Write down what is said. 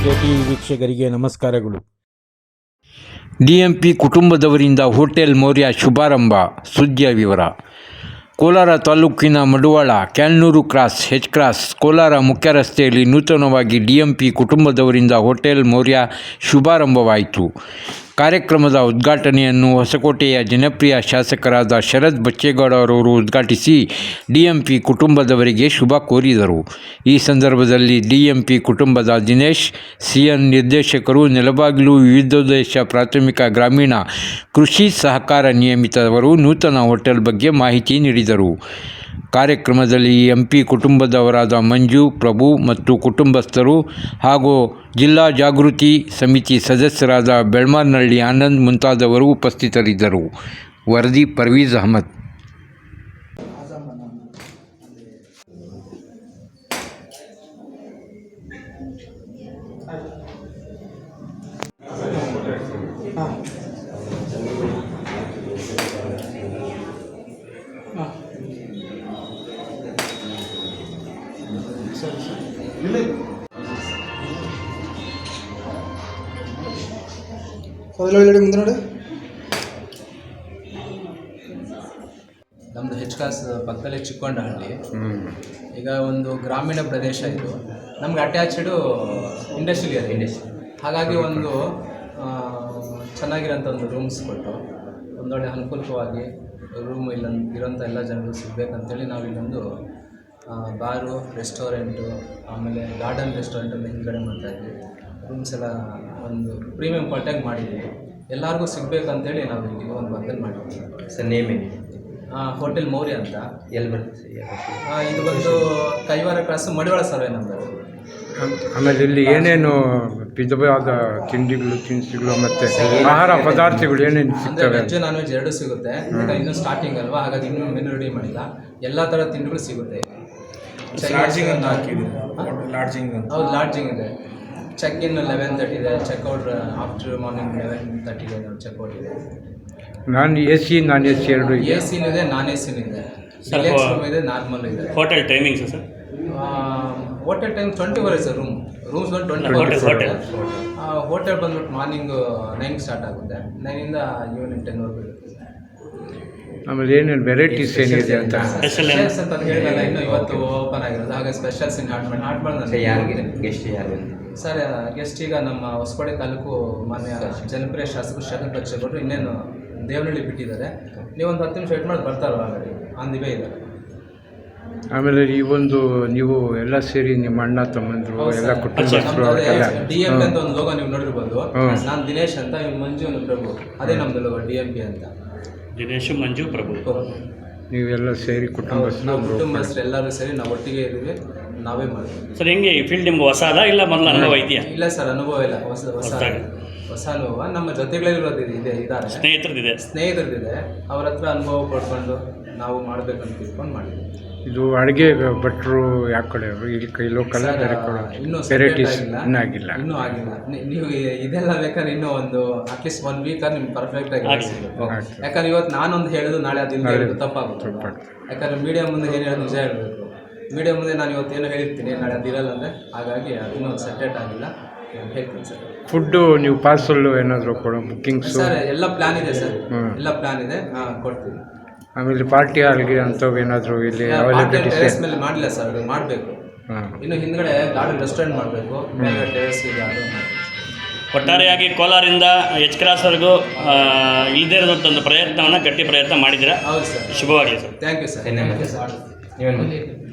KTV ವೀಕ್ಷಕರಿಗೆ ನಮಸ್ಕಾರಗಳು. DMP ಕುಟುಂಬದವರಿಂದ ಹೋಟೆಲ್ ಮೌರ್ಯ ಶುಭಾರಂಭ. ಸುದ್ದಿಯ ವಿವರ. ಕೋಲಾರ ತಾಲೂಕಿನ Maduvala, Kyalnur cross, H cross, Kolar ಮುಖ್ಯ ರಸ್ತೆಯಲ್ಲಿ ನೂತನವಾಗಿ DMP ಕುಟುಂಬದವರಿಂದ ಹೋಟೆಲ್ ಮೌರ್ಯ ಶುಭಾರಂಭವಾಯಿತು. ಕಾರ್ಯಕ್ರಮದ ಉದ್ಘಾಟನೆಯನ್ನು ಹೊಸಕೋಟೆಯ ಜನಪ್ರಿಯ ಶಾಸಕರಾದ ಶರತ್ ಬಚ್ಚೇಗೌಡ ಅವರು ಉದ್ಘಾಟಿಸಿ DMP ಕುಟುಂಬದವರಿಗೆ ಶುಭ ಕೋರಿದರು. ಈ ಸಂದರ್ಭದಲ್ಲಿ DMP ಕುಟುಂಬದ ದಿನೇಶ್, CN ನಿರ್ದೇಶಕರು, ನೆಲಬಾಗಿಲು ವಿವಿಧೋದ್ದೇಶ ಪ್ರಾಥಮಿಕ ಗ್ರಾಮೀಣ ಕೃಷಿ ಸಹಕಾರ ನಿಯಮಿತವರು ನೂತನ ಹೋಟೆಲ್ ಬಗ್ಗೆ ಮಾಹಿತಿ ನೀಡಿದರು. ಕಾರ್ಯಕ್ರಮದಲ್ಲಿ MP ಕುಟುಂಬದವರಾದ ಮಂಜು, ಪ್ರಭು ಮತ್ತು ಕುಟುಂಬಸ್ಥರು ಹಾಗೂ ಜಿಲ್ಲಾ ಜಾಗೃತಿ ಸಮಿತಿ ಸದಸ್ಯರಾದ ಬೆಳ್ಮಾರ್ನಹಳ್ಳಿ ಆನಂದ್ ಮುಂತಾದವರು ಉಪಸ್ಥಿತರಿದ್ದರು. ವರದಿ ಪರ್ವೀಜ್ ಅಹಮದ್. ಮುಂದೆ ನೋಡಿ, ನಮ್ಮದು ಹೆಚ್ ಕ್ರಾಸ್ ಪಕ್ಕದಲ್ಲೇ ಚಿಕ್ಕೊಂಡಹಳ್ಳಿ. ಈಗ ಒಂದು ಗ್ರಾಮೀಣ ಪ್ರದೇಶ ಇದು. ನಮ್ಗೆ ಅಟ್ಯಾಚ್ಡು ಇಂಡಸ್ಟ್ರಿಯಲ್ ಏರಿಯಾ, ಹಾಗಾಗಿ ಒಂದು ಚೆನ್ನಾಗಿರೋಂಥ ಒಂದು ರೂಮ್ಸ್ ಕೊಟ್ಟು ಒಂದೊಳ್ಳೆ ಅನುಕೂಲವಾಗಿ ರೂಮ್ ಇರೋಂಥ ಎಲ್ಲ ಜನರು ಸಿಗಬೇಕಂತೇಳಿ ನಾವು ಇಲ್ಲೊಂದು ಬಾರು, ರೆಸ್ಟೋರೆಂಟು, ಆಮೇಲೆ ಗಾರ್ಡನ್ ರೆಸ್ಟೋರೆಂಟ್ ಅಂತ ಹಿಂದ್ಗಡೆ ಮಾಡ್ತಾಯಿದ್ವಿ. ರೂಮ್ಸ್ ಎಲ್ಲ ಒಂದು ಪ್ರೀಮಿಯಂ ಕ್ವಾಲಿಟಿಯಾಗಿ ಮಾಡಿದ್ದೀವಿ. ಎಲ್ಲರಿಗೂ ಸಿಗಬೇಕಂತೇಳಿ ನಾವು ಇಲ್ಲಿ ಒಂದು ವರ್ಕಲ್ಲಿ ಮಾಡಿದ್ದೀವಿ. ಸರ್ ನೇಮ್ ಏನಿದೆ? ಹೋಟೆಲ್ ಮೌರ್ಯ ಅಂತ. ಎಲ್ಲಿ ಬರ್ತದೆ ಸರ್? ಇದು ಬಂದು Kaiwara cross, Madivala survey number. ಆಮೇಲೆ ಇಲ್ಲಿ ಏನೇನು ವಿಧವಾದ ತಿಂಡಿಗಳು, ತಿನಿಸುಗಳು ಮತ್ತು ಆಹಾರ ಪದಾರ್ಥಗಳು ಏನೇನು ಅಂದರೆ ಸಿಗ್ತವೆ? ವೆಜ್ ನಾನ್ ವೆಜ್ ಎರಡೂ ಸಿಗುತ್ತೆ. ಇನ್ನೂ ಸ್ಟಾರ್ಟಿಂಗ್ ಅಲ್ವಾ, ಹಾಗಾಗಿ ಇನ್ನೂ ಮೆನು ರೆಡಿ ಮಾಡಿಲ್ಲ. ಎಲ್ಲ ಥರ ತಿಂಡಿಗಳು ಸಿಗುತ್ತೆ. ಹೌದು, ಲಾಡ್ಜಿಂಗ್ ಇದೆ. ಚೆಕ್ ಇನ್ 11:30 ಇದೆ, ಚೆಕ್ಔಟ್ ಆಫ್ಟರ್ ಮಾರ್ನಿಂಗ್ 11:30 ಇದೆ. ಚೆಕ್ಔಟ್ ಇದೆ. ನಾನ್ AC ಎರಡು ಇದೆ. AC ಇದೆ, ನಾನ್ AC ಇದೆ, ಡಿಲಕ್ಸ್ ರೂಮ್ ಇದೆ, ನಾರ್ಮಲ್ ಇದೆ. Hotel timings sir? Hotel time 24 ಇದೆ ಸರ್. ರೂಮ್ಸ್ ಬಂದು 24. ಹೋಟೆಲ್ ಬಂದ್ಬಿಟ್ಟು ಮಾರ್ನಿಂಗ್ 9 ಸ್ಟಾರ್ಟ್ ಆಗುತ್ತೆ. 9ಇಂದ ಈವ್ನಿಂಗ್ 10ವರೆಗೂ ಇರುತ್ತೆ. ಆಮೇಲೆ ಏನೇನು ವೆರೈಟೀಸ್ ಏನಿದೆ ಅಂತ ಸ್ಪೆಷಲ್ಸ್ ಅಂತ ಹೇಳಿಲ್ಲ, ಇನ್ನೂ ಇವತ್ತು ಓಪನ್ ಆಗಿರೋದು. ಹಾಗೆ ಸ್ಪೆಷಲ್ಸ್ ಇನ್ನು ಆಡ್ ಮಾಡಿ ಯಾರಿಗೆ ಗೆಸ್ಟ್ ಯಾರು ಸರ್? ಗೆಸ್ಟ್ ಈಗ ನಮ್ಮ ಹೊಸಕೋಟೆ ತಾಲೂಕು ಮಾನ್ಯ ಜನಪ್ರಿಯ ಶಾಸಕರು ಶರತ್ ಬಚ್ಚೇಗೌಡರು ಇನ್ನೇನು ದೇವನಹಳ್ಳಿ ಬಿಟ್ಟಿದ್ದಾರೆ. ನೀವೊಂದು 10 ನಿಮಿಷ ವೇಟ್ ಮಾಡಿ ಬರ್ತಾರೋ ಆಲ್ರೆಡಿ ಆನ್ ದಿ ವೇ ಇದ್ದಾರೆ. ಆಮೇಲೆ ಈ ಒಂದು ನೀವು ಎಲ್ಲ ಸೇರಿ ನಿಮ್ಮ ಅಣ್ಣ ತಮ್ಮಂದರು ಎಲ್ಲ ಕುಟುಂಬಸ್ಥರು ಎಲ್ಲ DMP ಅಂತ ಒಂದು ಲೋಗೋ ನೀವು ನೋಡಿರ್ಬೋದು. ನಾನು ದಿನೇಶ್ ಅಂತ, ಇವ್ನು ಮಂಜು, ಪ್ರಭು. ಅದೇ ನಮ್ದು ಲೋಗೋ DMP ಅಂತ. ದಿನೇಶ್, ಮಂಜು, ಪ್ರಭು. ನೀವೆಲ್ಲ ಸೇರಿ ಕುಟುಂಬಸ್ಥರು ಎಲ್ಲರೂ ಸೇರಿ ನಾವು ಒಟ್ಟಿಗೆ ಇದ್ದೀವಿ. ನಾವೇ ಮಾಡ್ತೀವಿ ಸರ್. ಹೆಂಗೆ ಈ ಫೀಲ್ಡ್ ನಿಮ್ಗೆ ಹೊಸದ ಇಲ್ಲ ಮೊದಲು ಅನುಭವ ಇದೆಯಾ? ಇಲ್ಲ ಸರ್, ಅನುಭವ ಇಲ್ಲ. ಹೊಸ ಅನುಭವ. ನಮ್ಮ ಜೊತೆಗಳಿರೋದು ಇದ್ದಾರೆ, ಸ್ನೇಹಿತರದಿದೆ. ಅವ್ರ ಹತ್ರ ಅನುಭವ ಪಡ್ಕೊಂಡು ನಾವು ಮಾಡ್ಬೇಕಂತ ತಿಳ್ಕೊಂಡು ಮಾಡಿದ್ವಿ. ಇದು ಅಡುಗೆ ಭಟ್ರು ಯಾವ ಕಡೆ ಇಲ್ಲಿ ಲೋಕಲ್ ಇನ್ನೂ ವೆರೈಟೀಸ್ ಇನ್ನೂ ಆಗಿಲ್ಲ. ನೀವು ಇದೆಲ್ಲ ಬೇಕಾದ್ರೆ ಇನ್ನೂ ಒಂದು ಅಟ್ಲೀಸ್ಟ್ 1 ವೀಕ್ ನಿಮ್ಗೆ ಪರ್ಫೆಕ್ಟ್ ಆಗಿ ಯಾಕಂದ್ರೆ ಇವತ್ತು ನಾನೊಂದು ಹೇಳಿದ್ರು ನಾಳೆ ಅದು ತಪ್ಪಾಗುತ್ತೆ. ಯಾಕಂದ್ರೆ ಮೀಡಿಯಾ ಮುಂದೆ ಏನು ಹೇಳೋದು ನಿಜ ಹೇಳಬೇಕು. ಮೀಡಿಯಾ ಮುಂದೆ ನಾನು ಇವತ್ತು ಏನೋ ಹೇಳಿರ್ತೀನಿ, ನಾಳೆ ಅದಿರಲ್ಲ ಅಂದರೆ. ಹಾಗಾಗಿ ಇನ್ನೂ ಸೆಟೆಟ್ ಆಗಿಲ್ಲ. ಹೇಳ್ತೀನಿ ಸರ್. ಫುಡ್ಡು ನೀವು ಪಾರ್ಸಲ್ ಏನಾದರೂ ಕೊಡೋ ಬುಕ್ಕಿಂಗ್ಸ್? ಸರ್ ಎಲ್ಲ ಪ್ಲಾನ್ ಇದೆ ಸರ್, ಎಲ್ಲ ಪ್ಲಾನ್ ಇದೆ, ಕೊಡ್ತೀವಿ. ಆಮೇಲೆ ಪಾರ್ಟಿ ಹಾಲ್ಗೆ ಅಂಥವು ಏನಾದರೂ ಇಲ್ಲಿ ಟೆರೆಸ್ ಮೇಲೆ ಮಾಡಲಿಲ್ಲ ಸರ್, ಅದು ಮಾಡಬೇಕು. ಇನ್ನು ಹಿಂದ್ಗಡೆ ಗಾರ್ಡನ್ ರೆಸ್ಟೋರೆಂಟ್ ಮಾಡಬೇಕು, ಮೇಲೆ ಟೆರೆಸ್ ಇದೆ, ಅದು ಮಾಡಬೇಕು. ಒಟ್ಟಾರೆಯಾಗಿ ಕೋಲಾರಿಂದ ಹೆಚ್ ಕ್ರಾಸ್ವರೆಗೂ ಇಲ್ಲದೇ ಇರೋದಂಥ ಒಂದು ಪ್ರಯತ್ನವನ್ನು ಗಟ್ಟಿ ಪ್ರಯತ್ನ ಮಾಡಿದ್ದೀರಾ. ಹೌದು ಸರ್, ಶುಭವಾಗಲಿ ಸರ್. Thank you sir. ನೀವೇನು